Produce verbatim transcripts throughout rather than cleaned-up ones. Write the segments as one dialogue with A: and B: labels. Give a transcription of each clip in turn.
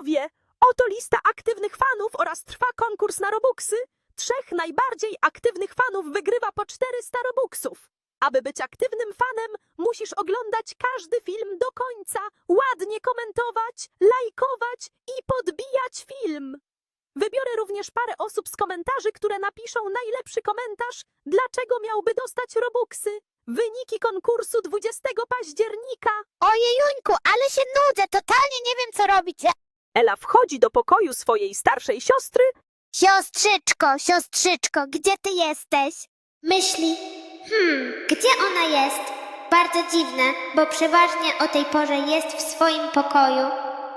A: widzowie! Oto lista aktywnych fanów oraz trwa konkurs na Robuxy. Trzech najbardziej aktywnych fanów wygrywa po czterysta Robuxów. Aby być aktywnym fanem, musisz oglądać każdy film do końca, ładnie komentować, lajkować i podbijać film. Wybiorę również parę osób z komentarzy, które napiszą najlepszy komentarz, dlaczego miałby dostać Robuxy. Wyniki konkursu dwudziestego października.
B: Ojejuńku, ale się nudzę, totalnie nie wiem co robić.
A: Ela wchodzi do pokoju swojej starszej siostry.
B: Siostrzyczko, siostrzyczko, gdzie ty jesteś? Myśli, hmm, gdzie ona jest? Bardzo dziwne, bo przeważnie o tej porze jest w swoim pokoju.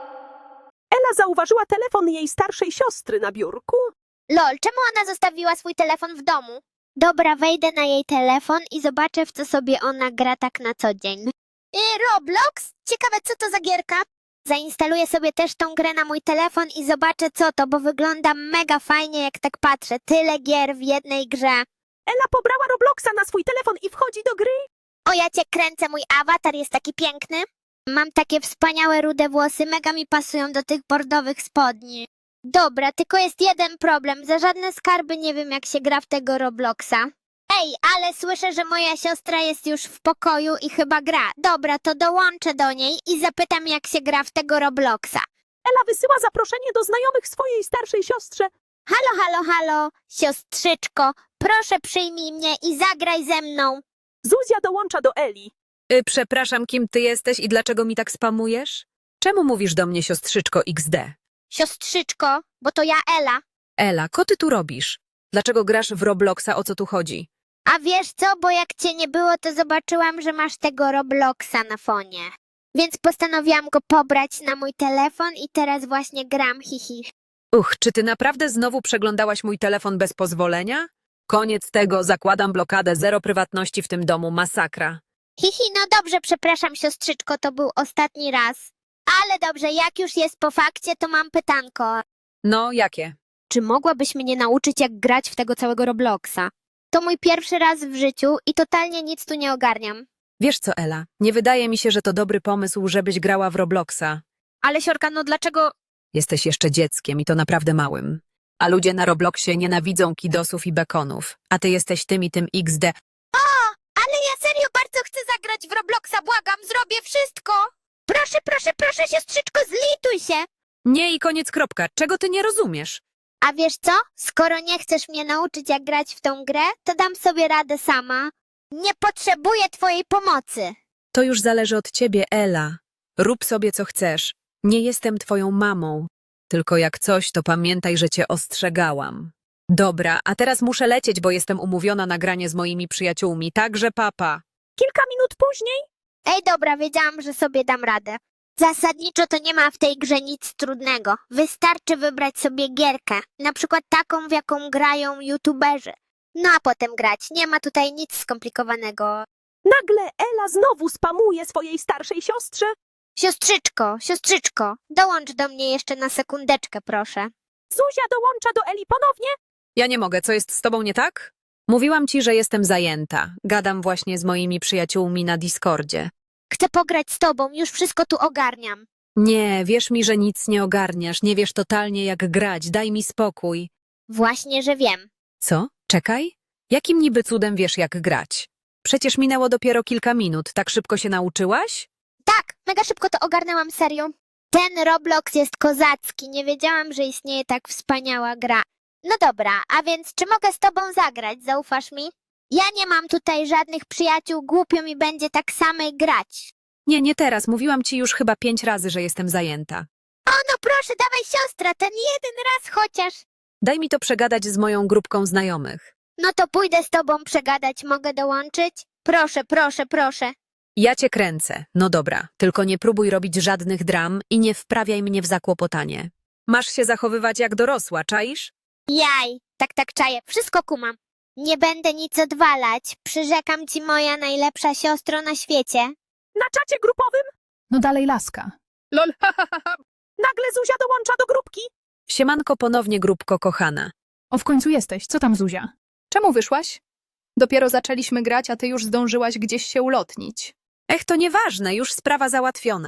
A: Ela zauważyła telefon jej starszej siostry na biurku.
B: Lol, czemu ona zostawiła swój telefon w domu? Dobra, wejdę na jej telefon i zobaczę, w co sobie ona gra tak na co dzień. I Roblox? Ciekawe, co to za gierka? Zainstaluję sobie też tą grę na mój telefon i zobaczę, co to, bo wygląda mega fajnie, jak tak patrzę. Tyle gier w jednej grze.
A: Ela pobrała Robloxa na swój telefon i wchodzi do gry.
B: O, ja cię kręcę, mój awatar jest taki piękny. Mam takie wspaniałe rude włosy, mega mi pasują do tych bordowych spodni. Dobra, tylko jest jeden problem. Za żadne skarby nie wiem, jak się gra w tego Robloxa. Ej, ale słyszę, że moja siostra jest już w pokoju i chyba gra. Dobra, to dołączę do niej i zapytam, jak się gra w tego Robloxa.
A: Ela wysyła zaproszenie do znajomych swojej starszej siostrze.
B: Halo, halo, halo, siostrzyczko, proszę przyjmij mnie i zagraj ze mną.
A: Zuzia dołącza do Eli.
C: Y, przepraszam, kim ty jesteś i dlaczego mi tak spamujesz? Czemu mówisz do mnie siostrzyczko iks de?
B: Siostrzyczko, bo to ja Ela.
C: Ela, co ty tu robisz? Dlaczego grasz w Robloxa, o co tu chodzi?
B: A wiesz co, bo jak cię nie było, to zobaczyłam, że masz tego Robloxa na fonie. Więc postanowiłam go pobrać na mój telefon i teraz właśnie gram, hihi.
C: Uch, czy ty naprawdę znowu przeglądałaś mój telefon bez pozwolenia? Koniec tego, zakładam blokadę, zero prywatności w tym domu, masakra.
B: Hihi, no dobrze, przepraszam siostrzyczko, to był ostatni raz. Ale dobrze, jak już jest po fakcie, to mam pytanko.
C: No, jakie?
B: Czy mogłabyś mnie nauczyć, jak grać w tego całego Robloxa? To mój pierwszy raz w życiu i totalnie nic tu nie ogarniam.
C: Wiesz co, Ela, nie wydaje mi się, że to dobry pomysł, żebyś grała w Robloxa.
B: Ale siorka, no dlaczego...
C: Jesteś jeszcze dzieckiem i to naprawdę małym. A ludzie na Robloxie nienawidzą kidosów i bekonów, a ty jesteś tym i tym iks de.
B: O, ale ja serio bardzo chcę zagrać w Robloxa, błagam, zrobię wszystko. Proszę, proszę, proszę, siostrzyczko, zlituj się.
C: Nie i koniec kropka, czego ty nie rozumiesz?
B: A wiesz co? Skoro nie chcesz mnie nauczyć, jak grać w tą grę, to dam sobie radę sama. Nie potrzebuję twojej pomocy.
C: To już zależy od ciebie, Ela. Rób sobie co chcesz. Nie jestem twoją mamą. Tylko jak coś, to pamiętaj, że cię ostrzegałam. Dobra, a teraz muszę lecieć, bo jestem umówiona na granie z moimi przyjaciółmi, także papa.
A: Kilka minut później.
B: Ej, dobra, wiedziałam, że sobie dam radę. Zasadniczo to nie ma w tej grze nic trudnego. Wystarczy wybrać sobie gierkę, na przykład taką, w jaką grają youtuberzy. No a potem grać. Nie ma tutaj nic skomplikowanego.
A: Nagle Ela znowu spamuje swojej starszej siostrze.
B: Siostrzyczko, siostrzyczko, dołącz do mnie jeszcze na sekundeczkę, proszę.
A: Zuzia dołącza do Eli ponownie.
C: Ja nie mogę, co jest z tobą nie tak? Mówiłam ci, że jestem zajęta. Gadam właśnie z moimi przyjaciółmi na Discordzie.
B: Chcę pograć z tobą, już wszystko tu ogarniam.
C: Nie, wierz mi, że nic nie ogarniasz, nie wiesz totalnie jak grać, daj mi spokój.
B: Właśnie, że wiem.
C: Co? Czekaj? Jakim niby cudem wiesz jak grać? Przecież minęło dopiero kilka minut, tak szybko się nauczyłaś?
B: Tak, mega szybko to ogarnęłam, serio. Ten Roblox jest kozacki, nie wiedziałam, że istnieje tak wspaniała gra. No dobra, a więc czy mogę z tobą zagrać, zaufasz mi? Ja nie mam tutaj żadnych przyjaciół, głupio mi będzie tak samej grać.
C: Nie, nie teraz, mówiłam ci już chyba pięć razy, że jestem zajęta.
B: O no proszę, dawaj siostra, ten jeden raz chociaż.
C: Daj mi to przegadać z moją grupką znajomych.
B: No to pójdę z tobą przegadać, mogę dołączyć? Proszę, proszę, proszę.
C: Ja cię kręcę. No dobra, tylko nie próbuj robić żadnych dram i nie wprawiaj mnie w zakłopotanie. Masz się zachowywać jak dorosła, czaisz?
B: Jaj, tak, tak czaję, wszystko kumam. Nie będę nic odwalać, przyrzekam ci moja najlepsza siostro na świecie.
A: Na czacie grupowym.
D: No dalej laska.
A: Lol, ha, ha, ha, ha. Nagle Zuzia dołącza do grupki.
C: Siemanko ponownie, grupko kochana.
D: O, w końcu jesteś. Co tam, Zuzia?
E: Czemu wyszłaś? Dopiero zaczęliśmy grać, a ty już zdążyłaś gdzieś się ulotnić.
C: Ech, to nieważne, już sprawa załatwiona.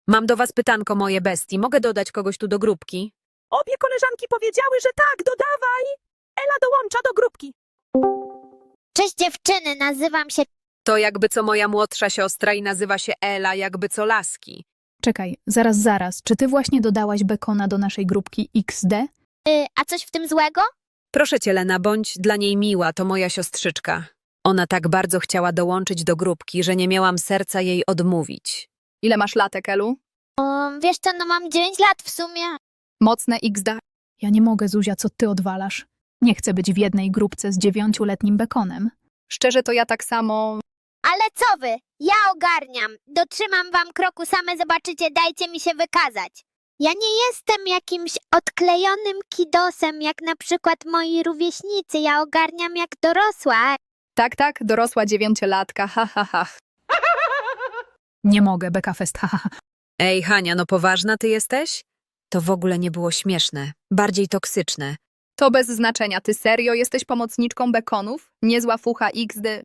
C: Mam do was pytanko, moje bestii. Mogę dodać kogoś tu do grupki?
A: Obie koleżanki powiedziały, że tak, dodawaj. Ela dołącza do grupki.
B: Cześć dziewczyny, nazywam się...
C: To jakby co moja młodsza siostra i nazywa się Ela, jakby co laski.
D: Czekaj, zaraz, zaraz. Czy ty właśnie dodałaś Bekona do naszej grupki X D?
B: Y, a coś w tym złego?
C: Proszę cię, Lena, bądź dla niej miła, to moja siostrzyczka. Ona tak bardzo chciała dołączyć do grupki, że nie miałam serca jej odmówić.
E: Ile masz latek, Elu?
B: Um, wiesz co, no mam dziewięć lat w sumie.
E: Mocne X D.
D: Ja nie mogę, Zuzia, co ty odwalasz. Nie chcę być w jednej grupce z dziewięcioletnim Bekonem.
E: Szczerze to ja tak samo...
B: Ale co wy? Ja ogarniam. Dotrzymam wam kroku, same zobaczycie, dajcie mi się wykazać. Ja nie jestem jakimś odklejonym kidosem, jak na przykład moi rówieśnicy. Ja ogarniam jak dorosła.
E: Tak, tak, dorosła dziewięciolatka, ha, ha, ha.
D: Nie mogę, Beka Fest, haha.
C: Ej, Hania, no poważna ty jesteś? To w ogóle nie było śmieszne, bardziej toksyczne.
E: To bez znaczenia, ty serio jesteś pomocniczką Bekonów? Niezła fucha X D.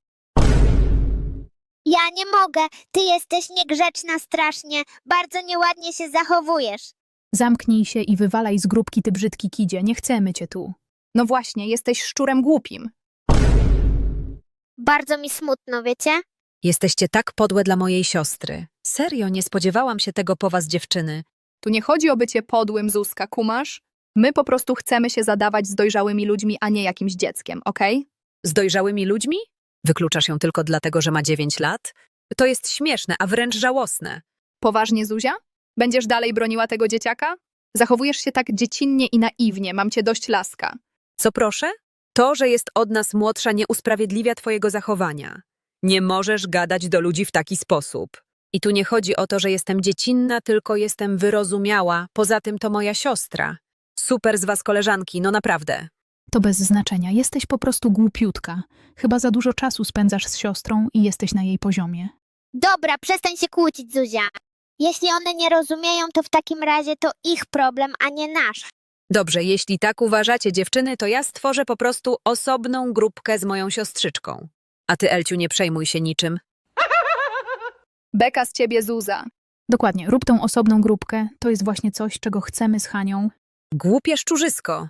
B: Ja nie mogę. Ty jesteś niegrzeczna strasznie. Bardzo nieładnie się zachowujesz.
D: Zamknij się i wywalaj z grupki, ty brzydki kidzie. Nie chcemy cię tu.
E: No właśnie, jesteś szczurem głupim.
B: Bardzo mi smutno, wiecie?
C: Jesteście tak podłe dla mojej siostry. Serio, nie spodziewałam się tego po was, dziewczyny.
E: Tu nie chodzi o bycie podłym, Zuzka, kumasz? My po prostu chcemy się zadawać z dojrzałymi ludźmi, a nie jakimś dzieckiem, okej?
C: Z dojrzałymi ludźmi? Wykluczasz ją tylko dlatego, że ma dziewięć lat? To jest śmieszne, a wręcz żałosne.
E: Poważnie, Zuzia? Będziesz dalej broniła tego dzieciaka? Zachowujesz się tak dziecinnie i naiwnie, mam cię dość, laska.
C: Co proszę? To, że jest od nas młodsza, nie usprawiedliwia twojego zachowania. Nie możesz gadać do ludzi w taki sposób. I tu nie chodzi o to, że jestem dziecinna, tylko jestem wyrozumiała. Poza tym to moja siostra. Super z was, koleżanki, no naprawdę.
D: To bez znaczenia. Jesteś po prostu głupiutka. Chyba za dużo czasu spędzasz z siostrą i jesteś na jej poziomie.
B: Dobra, przestań się kłócić, Zuzia. Jeśli one nie rozumieją, to w takim razie to ich problem, a nie nasz.
C: Dobrze, jeśli tak uważacie, dziewczyny, to ja stworzę po prostu osobną grupkę z moją siostrzyczką. A ty, Elciu, nie przejmuj się niczym.
E: Beka z ciebie, Zuza.
D: Dokładnie, rób tą osobną grupkę. To jest właśnie coś, czego chcemy z Hanią.
C: Głupie szczurzysko.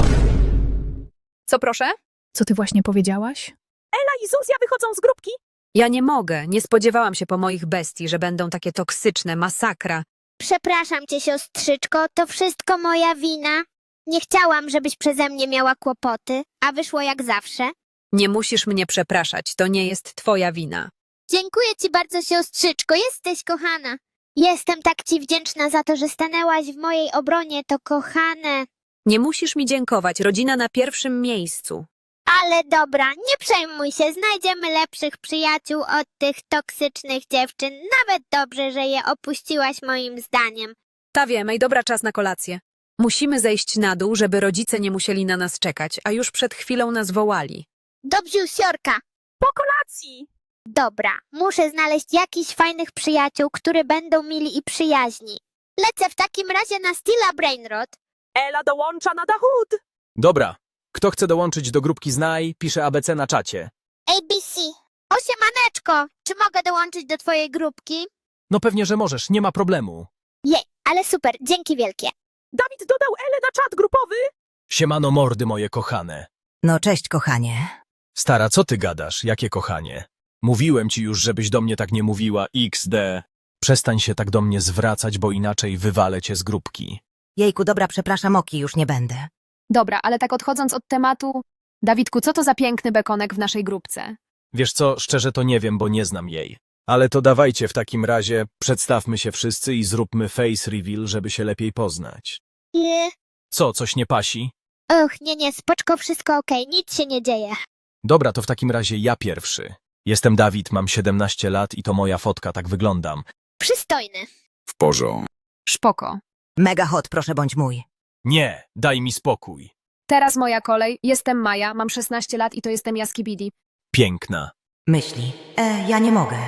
E: Co proszę?
D: Co ty właśnie powiedziałaś?
A: Ela i Zuzia wychodzą z grupki.
C: Ja nie mogę, nie spodziewałam się po moich bestii, że będą takie toksyczne, masakra.
B: Przepraszam cię, siostrzyczko, to wszystko moja wina. Nie chciałam, żebyś przeze mnie miała kłopoty, a wyszło jak zawsze.
C: Nie musisz mnie przepraszać, to nie jest twoja wina.
B: Dziękuję ci bardzo, siostrzyczko, jesteś kochana. Jestem tak ci wdzięczna za to, że stanęłaś w mojej obronie, to kochane.
C: Nie musisz mi dziękować, rodzina na pierwszym miejscu.
B: Ale dobra, nie przejmuj się, znajdziemy lepszych przyjaciół od tych toksycznych dziewczyn. Nawet dobrze, że je opuściłaś moim zdaniem.
C: Ta wiemy, i dobra, czas na kolację. Musimy zejść na dół, żeby rodzice nie musieli na nas czekać, a już przed chwilą nas wołali.
B: Dobrze, siorka.
A: Po kolacji.
B: Dobra, muszę znaleźć jakichś fajnych przyjaciół, którzy będą mili i przyjaźni. Lecę w takim razie na Stila Brainrod.
A: Ela dołącza na Dachód.
F: Dobra. Kto chce dołączyć do grupki Znaj, pisze A B C na czacie.
B: A B C. Osiemaneczko, czy mogę dołączyć do twojej grupki?
F: No pewnie, że możesz, nie ma problemu.
B: Jej, ale super, dzięki wielkie.
A: Dawid dodał Elę na czat grupowy.
F: Siemano mordy moje kochane.
G: No cześć, kochanie.
F: Stara, co ty gadasz? Jakie kochanie? Mówiłem ci już, żebyś do mnie tak nie mówiła, iks de. Przestań się tak do mnie zwracać, bo inaczej wywalę cię z grupki.
G: Jejku, dobra, przepraszam, Oki, już nie będę.
E: Dobra, ale tak odchodząc od tematu... Dawidku, co to za piękny bekonek w naszej grupce?
F: Wiesz co, szczerze to nie wiem, bo nie znam jej. Ale to dawajcie w takim razie, przedstawmy się wszyscy i zróbmy face reveal, żeby się lepiej poznać.
B: Nie.
F: Co, coś nie pasi?
B: Och, nie, nie, spoczko, wszystko okej, nic się nie dzieje.
F: Dobra, to w takim razie ja pierwszy. Jestem Dawid, mam siedemnaście lat i to moja fotka, tak wyglądam.
B: Przystojny.
H: W porządku.
E: Szpoko.
G: Mega hot, proszę bądź mój.
F: Nie, daj mi spokój.
E: Teraz moja kolej. Jestem Maja, mam szesnaście lat i to jestem Jaskibidi.
F: Piękna.
G: Myśli. E, ja nie mogę.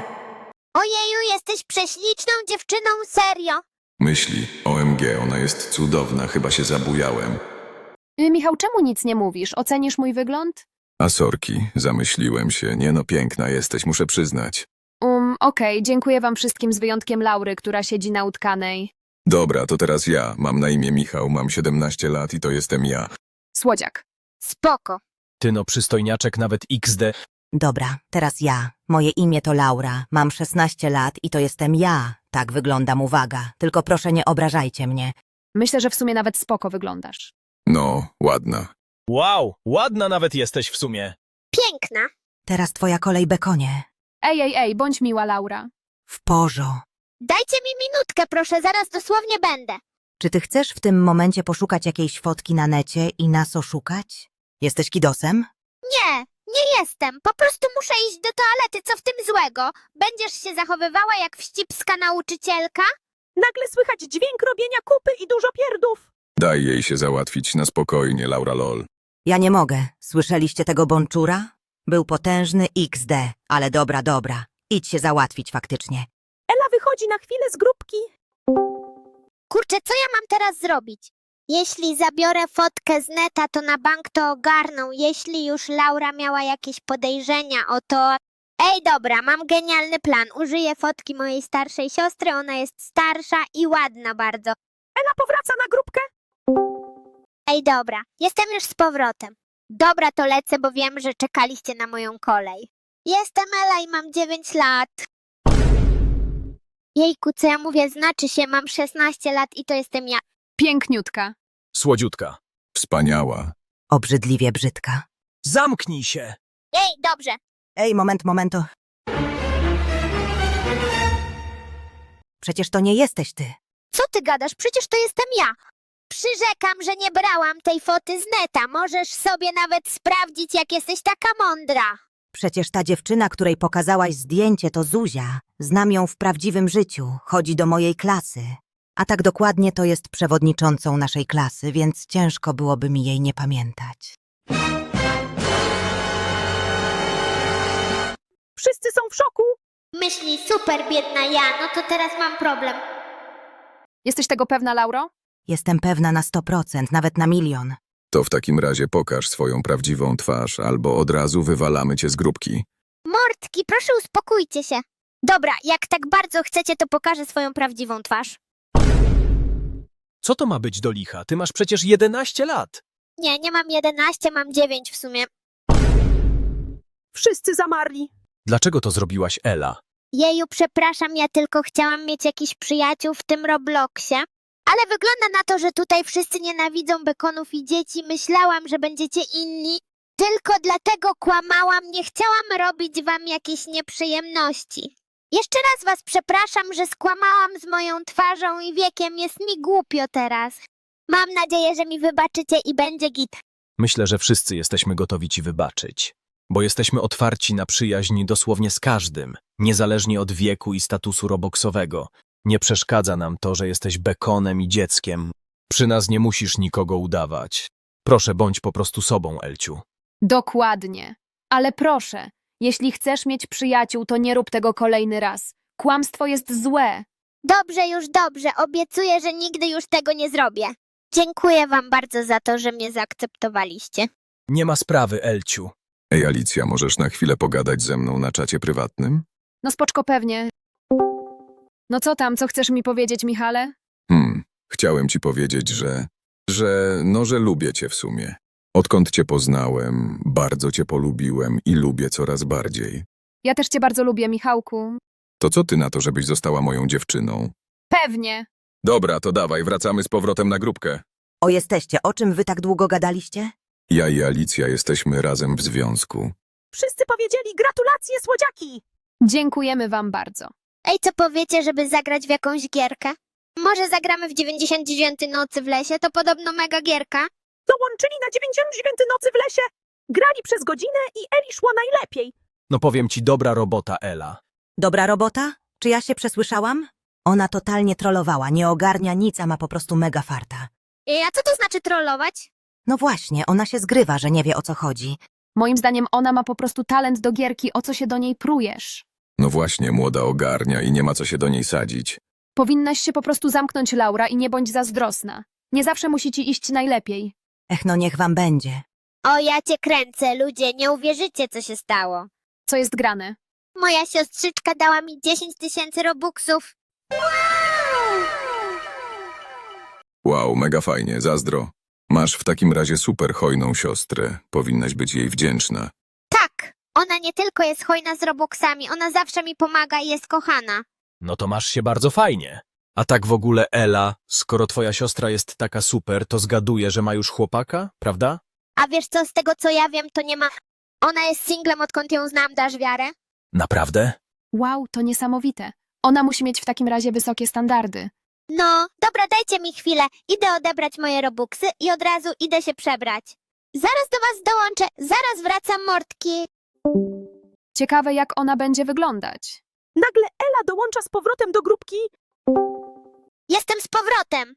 B: Ojeju, jesteś prześliczną dziewczyną, serio.
H: Myśli, O M G, ona jest cudowna, chyba się zabujałem.
E: Y, Michał, czemu nic nie mówisz? Ocenisz mój wygląd?
H: A sorki, zamyśliłem się, nie no piękna jesteś, muszę przyznać.
E: Um,
C: Um, okej, dziękuję wam wszystkim z wyjątkiem Laury, która siedzi na utkanej.
H: Dobra, to teraz ja. Mam na imię Michał, mam siedemnaście lat i to jestem ja.
C: Słodziak.
B: Spoko.
F: Ty no przystojniaczek nawet iks de.
G: Dobra, teraz ja. Moje imię to Laura, mam szesnaście lat i to jestem ja. Tak wyglądam, uwaga. Tylko proszę nie obrażajcie mnie.
C: Myślę, że w sumie nawet spoko wyglądasz.
H: No, ładna.
F: Wow, ładna nawet jesteś w sumie.
B: Piękna.
G: Teraz twoja kolej, Bekonie.
C: Ej, ej, ej, bądź miła, Laura.
G: W porzo.
B: Dajcie mi minutkę, proszę, zaraz dosłownie będę.
G: Czy ty chcesz w tym momencie poszukać jakiejś fotki na necie i nas oszukać? Jesteś kidosem?
B: Nie, nie jestem. Po prostu muszę iść do toalety, co w tym złego? Będziesz się zachowywała jak wścibska nauczycielka?
A: Nagle słychać dźwięk robienia kupy i dużo pierdów.
H: Daj jej się załatwić na spokojnie, Laura lol.
G: Ja nie mogę. Słyszeliście tego bączura? Był potężny iks de, ale dobra, dobra. Idź się załatwić faktycznie.
A: Ela wychodzi na chwilę z grupki.
B: Kurczę, co ja mam teraz zrobić? Jeśli zabiorę fotkę z neta, to na bank to ogarną. Jeśli już Laura miała jakieś podejrzenia o to... Ej, dobra, mam genialny plan. Użyję fotki mojej starszej siostry, ona jest starsza i ładna bardzo.
A: Ela powraca na grupkę.
B: Ej, dobra, jestem już z powrotem. Dobra, to lecę, bo wiem, że czekaliście na moją kolej. Jestem Ela i mam dziewięć lat. Jejku, co ja mówię, znaczy się, mam szesnaście lat i to jestem ja.
C: Piękniutka.
F: Słodziutka.
H: Wspaniała.
G: Obrzydliwie brzydka.
F: Zamknij się.
B: Ej, dobrze.
G: Ej, moment, momento. Przecież to nie jesteś ty.
B: Co ty gadasz? Przecież to jestem ja. Przyrzekam, że nie brałam tej foty z neta. Możesz sobie nawet sprawdzić, jak jesteś taka mądra.
G: Przecież ta dziewczyna, której pokazałaś zdjęcie, to Zuzia. Znam ją w prawdziwym życiu. Chodzi do mojej klasy. A tak dokładnie to jest przewodniczącą naszej klasy, więc ciężko byłoby mi jej nie pamiętać.
A: Wszyscy są w szoku.
B: Myśli, super biedna ja, no to teraz mam problem.
C: Jesteś tego pewna, Lauro?
G: Jestem pewna na sto procent, nawet na milion.
H: To w takim razie pokaż swoją prawdziwą twarz, albo od razu wywalamy cię z grupki.
B: Mordki, proszę uspokójcie się. Dobra, jak tak bardzo chcecie, to pokażę swoją prawdziwą twarz.
F: Co to ma być do licha? Ty masz przecież jedenaście lat.
B: Nie, nie mam jedenaście, mam dziewięć w sumie.
A: Wszyscy zamarli.
F: Dlaczego to zrobiłaś, Ela?
B: Jeju, przepraszam, ja tylko chciałam mieć jakiś przyjaciół w tym Robloxie. Ale wygląda na to, że tutaj wszyscy nienawidzą bekonów i dzieci. Myślałam, że będziecie inni. Tylko dlatego kłamałam, nie chciałam robić wam jakieś nieprzyjemności. Jeszcze raz was przepraszam, że skłamałam z moją twarzą i wiekiem. Jest mi głupio teraz. Mam nadzieję, że mi wybaczycie i będzie git.
F: Myślę, że wszyscy jesteśmy gotowi ci wybaczyć. Bo jesteśmy otwarci na przyjaźń dosłownie z każdym, niezależnie od wieku i statusu roboksowego. Nie przeszkadza nam to, że jesteś bekonem i dzieckiem. Przy nas nie musisz nikogo udawać. Proszę, bądź po prostu sobą, Elciu.
C: Dokładnie. Ale proszę, jeśli chcesz mieć przyjaciół, to nie rób tego kolejny raz. Kłamstwo jest złe.
B: Dobrze, już dobrze. Obiecuję, że nigdy już tego nie zrobię. Dziękuję wam bardzo za to, że mnie zaakceptowaliście.
F: Nie ma sprawy, Elciu.
H: Ej, Alicja, możesz na chwilę pogadać ze mną na czacie prywatnym?
C: No spoczko pewnie. No co tam, co chcesz mi powiedzieć, Michale?
H: Hmm, chciałem ci powiedzieć, że... że... no, że lubię cię w sumie. Odkąd cię poznałem, bardzo cię polubiłem i lubię coraz bardziej.
C: Ja też cię bardzo lubię, Michałku.
H: To co ty na to, żebyś została moją dziewczyną?
C: Pewnie.
H: Dobra, to dawaj, wracamy z powrotem na grupkę.
G: O, jesteście. O czym wy tak długo gadaliście?
H: Ja i Alicja jesteśmy razem w związku.
A: Wszyscy powiedzieli gratulacje, słodziaki.
C: Dziękujemy wam bardzo.
B: Ej, co powiecie, żeby zagrać w jakąś gierkę? Może zagramy w dziewięćdziesiąt dziewiątej nocy w lesie, to podobno mega gierka.
A: Dołączyli na dziewięćdziesiąt dziewiątej nocy w lesie. Grali przez godzinę i Eli szło najlepiej.
F: No powiem ci, dobra robota, Ela.
G: Dobra robota? Czy ja się przesłyszałam? Ona totalnie trollowała, nie ogarnia nic, a ma po prostu mega farta.
B: Ej, a co to znaczy trollować?
G: No właśnie, ona się zgrywa, że nie wie o co chodzi.
C: Moim zdaniem ona ma po prostu talent do gierki, o co się do niej prujesz.
H: No właśnie, młoda ogarnia i nie ma co się do niej sadzić.
C: Powinnaś się po prostu zamknąć, Laura, i nie bądź zazdrosna. Nie zawsze musi ci iść najlepiej.
G: Ech, no niech wam będzie.
B: O, ja cię kręcę, ludzie, nie uwierzycie, co się stało.
C: Co jest grane?
B: Moja siostrzyczka dała mi dziesięć tysięcy robuxów.
H: Wow, mega fajnie, zazdro. Masz w takim razie super hojną siostrę. Powinnaś być jej wdzięczna.
B: Tak, ona nie tylko jest hojna z robuxami, ona zawsze mi pomaga i jest kochana.
F: No to masz się bardzo fajnie. A tak w ogóle Ela, skoro twoja siostra jest taka super, to zgaduję, że ma już chłopaka, prawda?
B: A wiesz co, z tego co ja wiem, to nie ma... Ona jest singlem, odkąd ją znam, dasz wiarę?
F: Naprawdę?
I: Wow, to niesamowite. Ona musi mieć w takim razie wysokie standardy.
B: No, dobra, dajcie mi chwilę. Idę odebrać moje robuxy i od razu idę się przebrać. Zaraz do was dołączę, zaraz wracam, mordki.
I: Ciekawe, jak ona będzie wyglądać.
A: Nagle Ela dołącza z powrotem do grupki.
B: Jestem z powrotem.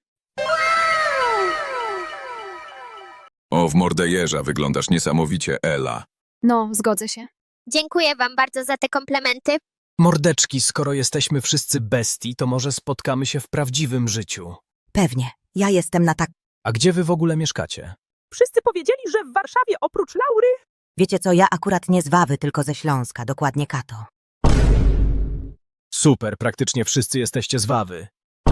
H: O, w mordę jeża wyglądasz niesamowicie, Ela.
I: No, zgodzę się.
B: Dziękuję wam bardzo za te komplementy.
F: Mordeczki, skoro jesteśmy wszyscy bestii, to może spotkamy się w prawdziwym życiu.
G: Pewnie. Ja jestem na tak...
F: A gdzie wy w ogóle mieszkacie?
A: Wszyscy powiedzieli, że w Warszawie oprócz Laury.
G: Wiecie co, ja akurat nie z Wawy, tylko ze Śląska, dokładnie Kato.
F: Super, praktycznie wszyscy jesteście z Wawy.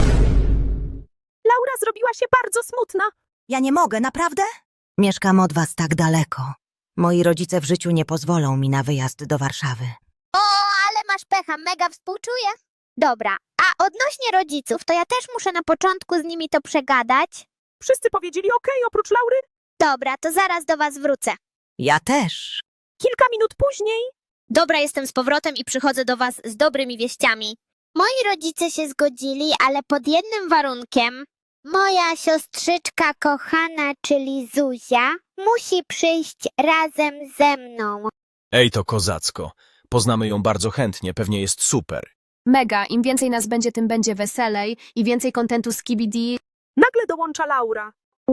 A: Laura zrobiła się bardzo smutna.
G: Ja nie mogę, naprawdę? Mieszkam od was tak daleko. Moi rodzice w życiu nie pozwolą mi na wyjazd do Warszawy.
B: O, ale masz pecha, mega współczuję. Dobra, a odnośnie rodziców, to ja też muszę na początku z nimi to przegadać.
A: Wszyscy powiedzieli okej, oprócz Laury.
B: Dobra, to zaraz do was wrócę.
G: Ja też.
A: Kilka minut później.
B: Dobra, jestem z powrotem i przychodzę do was z dobrymi wieściami. Moi rodzice się zgodzili, ale pod jednym warunkiem. Moja siostrzyczka kochana, czyli Zuzia, musi przyjść razem ze mną.
F: Ej, to kozacko. Poznamy ją bardzo chętnie, pewnie jest super.
I: Mega, im więcej nas będzie, tym będzie weselej i więcej kontentu z K B D.
A: Nagle dołącza Laura.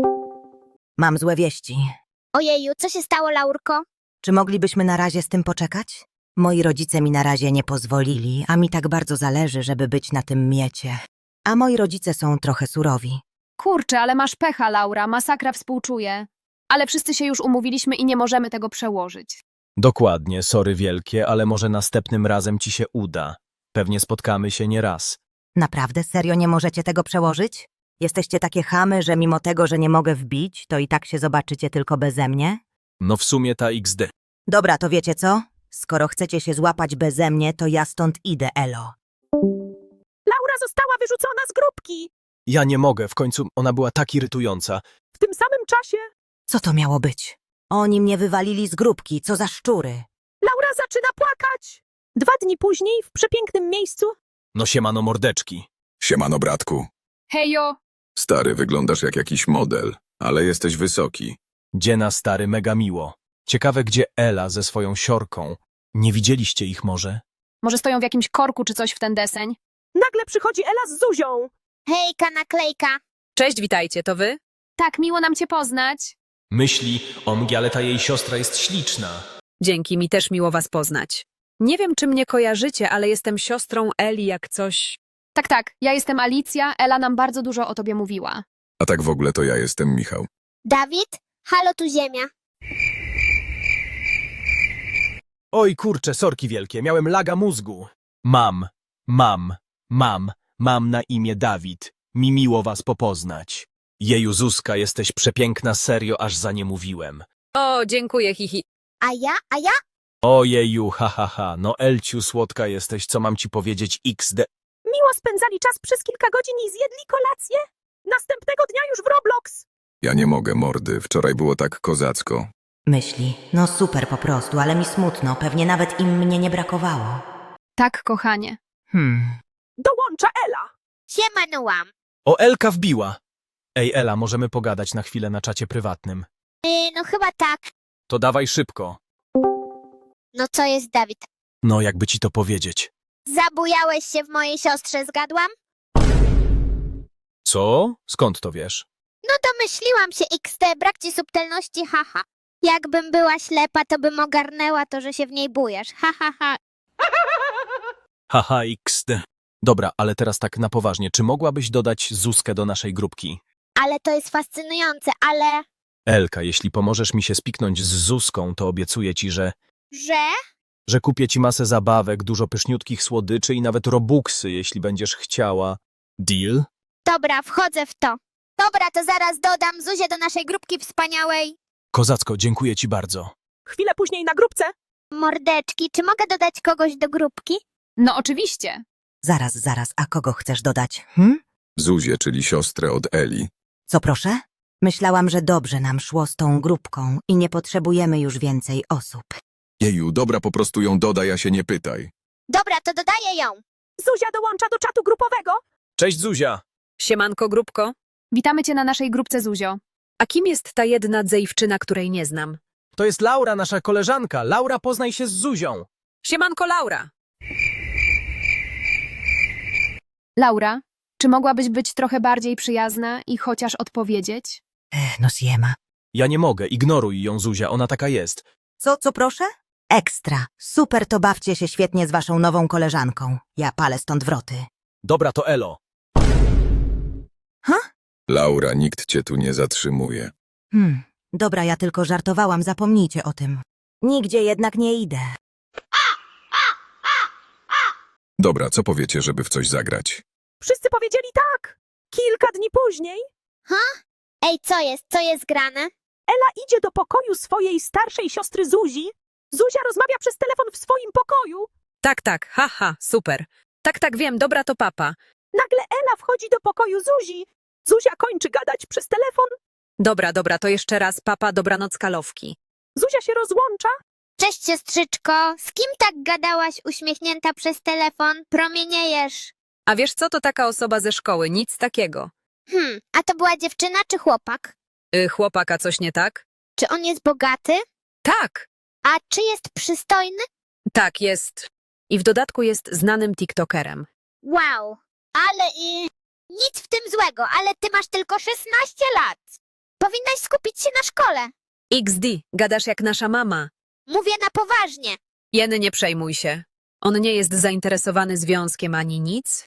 G: Mam złe wieści.
B: Ojeju, co się stało, Laurko?
G: Czy moglibyśmy na razie z tym poczekać? Moi rodzice mi na razie nie pozwolili, a mi tak bardzo zależy, żeby być na tym miecie. A moi rodzice są trochę surowi.
I: Kurczę, ale masz pecha, Laura, masakra współczuję. Ale wszyscy się już umówiliśmy i nie możemy tego przełożyć.
F: Dokładnie, sorry wielkie, ale może następnym razem ci się uda. Pewnie spotkamy się nie raz.
G: Naprawdę, serio nie możecie tego przełożyć? Jesteście takie chamy, że mimo tego, że nie mogę wbić, to i tak się zobaczycie tylko beze mnie?
F: No w sumie ta iks de.
G: Dobra, to wiecie co? Skoro chcecie się złapać beze mnie, to ja stąd idę, elo.
A: Laura została wyrzucona z grupki.
F: Ja nie mogę, w końcu ona była tak irytująca.
A: W tym samym czasie
G: Co to miało być? Oni mnie wywalili z grupki, co za szczury.
A: Laura zaczyna płakać. Dwa dni później w przepięknym miejscu.
F: No siemano mordeczki.
H: Siemano, bratku.
I: Hejo!
H: Stary, wyglądasz jak jakiś model, ale jesteś wysoki.
F: Dziena stary, mega miło. Ciekawe, gdzie Ela ze swoją siorką. Nie widzieliście ich może?
I: Może stoją w jakimś korku czy coś w ten deseń?
A: Nagle przychodzi Ela z Zuzią.
B: Hejka, naklejka.
C: Cześć, witajcie, to wy?
I: Tak, miło nam cię poznać.
F: Myśli, o mnie, ale ta jej siostra jest śliczna.
C: Dzięki, mi też miło was poznać. Nie wiem, czy mnie kojarzycie, ale jestem siostrą Eli jak coś...
I: Tak, tak, ja jestem Alicja, Ela nam bardzo dużo o tobie mówiła.
H: A tak w ogóle to ja jestem Michał.
B: Dawid? Halo, tu Ziemia.
F: Oj kurcze, sorki wielkie, miałem laga mózgu. Mam, mam, mam, mam na imię Dawid. Mi miło was popoznać. Jeju, Zuzka, jesteś przepiękna, serio, aż za nie mówiłem.
C: O, dziękuję, hihi.
B: A ja? A ja?
F: Ojeju, ha, ha, ha, no Elciu, słodka jesteś, co mam ci powiedzieć, iks de...
A: Miło spędzali czas przez kilka godzin i zjedli kolację. Następnego dnia już w Roblox.
H: Ja nie mogę, mordy, wczoraj było tak kozacko.
G: Myśli, no super po prostu, ale mi smutno, pewnie nawet im mnie nie brakowało.
I: Tak, kochanie.
G: Hmm.
A: Dołącza Ela.
B: Siemanułam.
F: O, Elka wbiła. Ej, Ela, możemy pogadać na chwilę na czacie prywatnym.
B: Yy, no chyba tak.
F: To dawaj szybko.
B: No co jest, Dawid?
F: No, jakby ci to powiedzieć.
B: Zabujałeś się w mojej siostrze, zgadłam?
F: Co? Skąd to wiesz?
B: No domyśliłam się, iks de, brak ci subtelności, haha. Jakbym była ślepa, to bym ogarnęła to, że się w niej bujesz, ha, ha, ha.
F: Haha, iks de. Dobra, ale teraz tak na poważnie, czy mogłabyś dodać Zuzkę do naszej grupki?
B: Ale to jest fascynujące, ale...
F: Elka, jeśli pomożesz mi się spiknąć z Zuzką, to obiecuję ci, że...
B: Że?
F: że kupię ci masę zabawek, dużo pyszniutkich słodyczy i nawet robuxy, jeśli będziesz chciała. Deal?
B: Dobra, wchodzę w to. Dobra, to zaraz dodam Zuzię do naszej grupki wspaniałej.
F: Kozacko, dziękuję ci bardzo.
A: Chwilę później na grupce.
B: Mordeczki, czy mogę dodać kogoś do grupki?
I: No oczywiście.
G: Zaraz, zaraz, a kogo chcesz dodać?
H: Hm? Zuzię, czyli siostrę od Eli.
G: Co proszę? Myślałam, że dobrze nam szło z tą grupką i nie potrzebujemy już więcej osób.
H: Jeju, dobra, po prostu ją dodaj, a się nie pytaj.
B: Dobra, to dodaję ją.
A: Zuzia dołącza do czatu grupowego.
F: Cześć Zuzia!
C: Siemanko, grupko.
I: Witamy cię na naszej grupce, Zuzio.
C: A kim jest ta jedna dziewczyna, której nie znam?
F: To jest Laura, nasza koleżanka. Laura, poznaj się z Zuzią.
C: Siemanko, Laura.
I: Laura, czy mogłabyś być trochę bardziej przyjazna i chociaż odpowiedzieć?
G: Ech, no siema.
F: Ja nie mogę, ignoruj ją Zuzia, ona taka jest.
G: Co, co proszę? Ekstra. Super, to bawcie się świetnie z waszą nową koleżanką. Ja palę stąd wroty.
F: Dobra, to elo.
H: Laura, nikt cię tu nie zatrzymuje.
G: Hmm, dobra, ja tylko żartowałam, zapomnijcie o tym. Nigdzie jednak nie idę.
H: Dobra, co powiecie, żeby w coś zagrać?
A: Wszyscy powiedzieli tak. Kilka dni później
B: Ej, co jest? Co jest grane?
A: Ela idzie do pokoju swojej starszej siostry Zuzi. Zuzia rozmawia przez telefon w swoim pokoju.
C: Tak, tak, haha, super. Tak, tak, wiem, dobra, to papa.
A: Nagle Ela wchodzi do pokoju Zuzi. Zuzia kończy gadać przez telefon.
C: Dobra, dobra, to jeszcze raz, papa, dobranoc, kalowki.
A: Zuzia się rozłącza.
B: Cześć, siostrzyczko. Z kim tak gadałaś uśmiechnięta przez telefon? Promieniejesz.
C: A wiesz co, to taka osoba ze szkoły, nic takiego.
B: Hmm, a to była dziewczyna czy chłopak?
C: Y, chłopaka, coś nie tak?
B: Czy on jest bogaty?
C: Tak,
B: A czy jest przystojny?
C: tak, jest. I w dodatku jest znanym tiktokerem.
B: Wow, ale i... Nic w tym złego, ale ty masz tylko szesnaście lat. Powinnaś skupić się na szkole.
C: X D, gadasz jak nasza mama.
B: Mówię na poważnie.
C: Jeny, nie przejmuj się. On nie jest zainteresowany związkiem ani nic.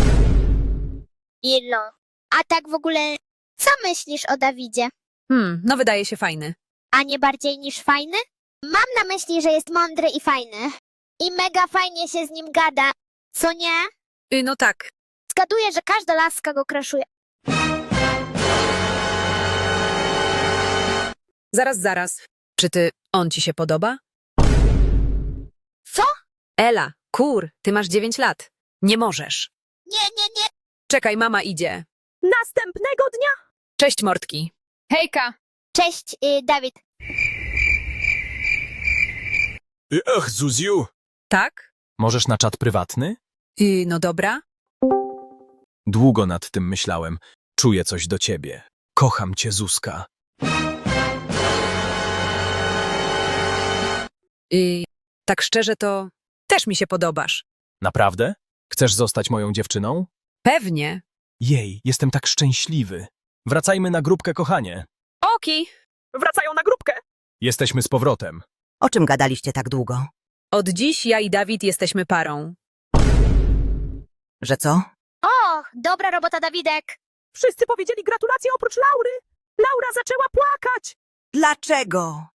B: Ilo. A tak w ogóle, co myślisz o Dawidzie?
C: Hmm, no wydaje się fajny.
B: A nie bardziej niż fajny? Mam na myśli, że jest mądry i fajny. I mega fajnie się z nim gada. Co nie?
C: Y, no tak.
B: Zgaduję, że każda laska go kraszuje.
C: Zaraz, zaraz. Czy ty, on ci się podoba?
B: Co?
C: Ela, kur, ty masz dziewięć lat. Nie możesz.
B: Nie, nie, nie.
C: Czekaj, mama idzie.
A: Następnego dnia
C: Cześć, mordki.
I: Hejka!
B: Cześć, y, Dawid.
F: Ach, Zuziu!
C: Tak?
F: Możesz na czat prywatny?
C: Y, no dobra.
F: Długo nad tym myślałem. Czuję coś do ciebie. Kocham cię, Zuzka.
C: Y, tak szczerze to też mi się podobasz.
F: Naprawdę? Chcesz zostać moją dziewczyną?
C: Pewnie.
F: Jej, jestem tak szczęśliwy. Wracajmy na grupkę, kochanie.
C: Oki.
A: wracają na grupkę.
F: Jesteśmy z powrotem.
G: O czym gadaliście tak długo?
C: Od dziś ja i Dawid jesteśmy parą.
G: Że co?
B: O, dobra robota, Dawidek.
A: Wszyscy powiedzieli gratulacje oprócz Laury. Laura zaczęła płakać.
G: Dlaczego?